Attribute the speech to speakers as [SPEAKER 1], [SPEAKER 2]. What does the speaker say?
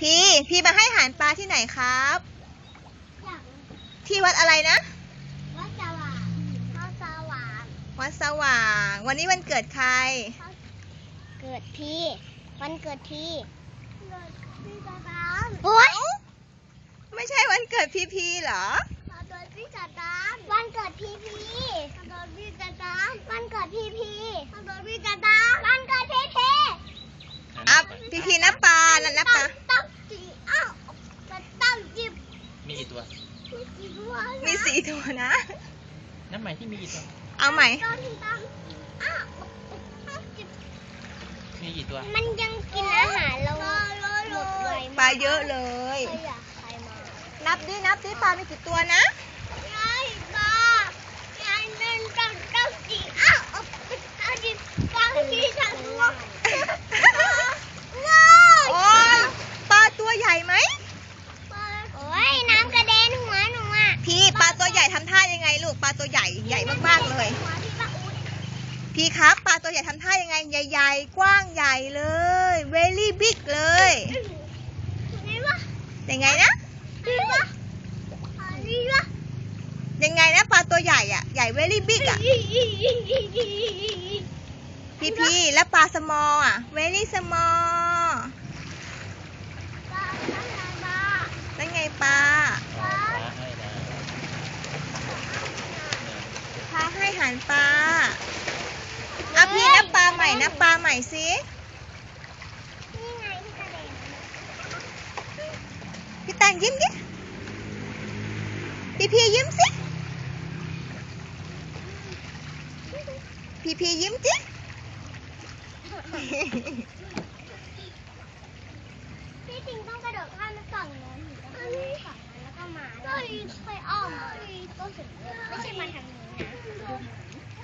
[SPEAKER 1] พี่มาให้อาหารปลาที่ไหนครับ ที่วัดอะไรนะ
[SPEAKER 2] วัดสว่างวัดสว่าง
[SPEAKER 1] วัดสว่าง วันนี้วันเกิดใคร
[SPEAKER 2] เกิดพี่วันเกิดพี่ตาดามโอ๊ย
[SPEAKER 1] ไม่ใช่วันเกิดพี่เหรอ
[SPEAKER 2] วันเกิดพี่ตาดามวันเกิดพี่วันเกิดพี่ตาดามวันเกิดพี่วันเกิดพี่ตาดามวันเกิดพี่
[SPEAKER 1] อ่ะพี่น้ำปลาน้ำปลา
[SPEAKER 2] ต้องจีอ้าวต้องจิบ
[SPEAKER 3] มีกี่ตัว
[SPEAKER 1] มี4 ตัวนะ
[SPEAKER 3] น้ำใหม่ที่มีกี่ตัว
[SPEAKER 1] เอาใหม่
[SPEAKER 3] มีกี่ตัว
[SPEAKER 2] มันยังกินอาหารเราหมดไว
[SPEAKER 1] ปลาเยอะเลย
[SPEAKER 2] ใครอยากใครมา
[SPEAKER 1] นับดิปลามีกี่ตัวนะ
[SPEAKER 2] ยายปลายายเดินต้องจีอ้าวเอาดิปลาที่ฉันว่าว้าว
[SPEAKER 1] โอ้ยปลาตัวใหญ่ไหม
[SPEAKER 2] โอ้ยน้ำกระเด็นหัวหนูอ่ะ
[SPEAKER 1] พี่ปลาตัวใหญ่ทำท่ายังไงลูก ปลาตัวใหญ่มากๆเลย
[SPEAKER 2] หัวพี่ปลาอุ๊ด
[SPEAKER 1] พี่ครับปลาตัวใหญ่ทำท่ายังไงใหญ่ๆกว้างใหญ่เลย very big เลย
[SPEAKER 2] นี่วะ
[SPEAKER 1] ยังไงนะ
[SPEAKER 2] นี่วะนี่วะ
[SPEAKER 1] ยังไงนะปลาตัวใหญ่อะใหญ่ very big อะพี่แล้วปลา small อะ very small นั่นไงปลา
[SPEAKER 3] อ๋อปลาให้นะ
[SPEAKER 1] พาให้อาหารปลาเอาพี่นับปลาใหม่สิ
[SPEAKER 2] นี่ไงที่กระเด็น
[SPEAKER 1] พี่ตังยิ้มดิพี่ยิ้มสิพี่ยิ้มสิ
[SPEAKER 2] พี่จริงต้องกระโดดข้ามไปฝั่งโน้นถึงจะข้ามไปฝั่งนั้นแล้วก็มาค่อยอ้อมมาก็ถึงไม่ใช่มาทางนี้นะ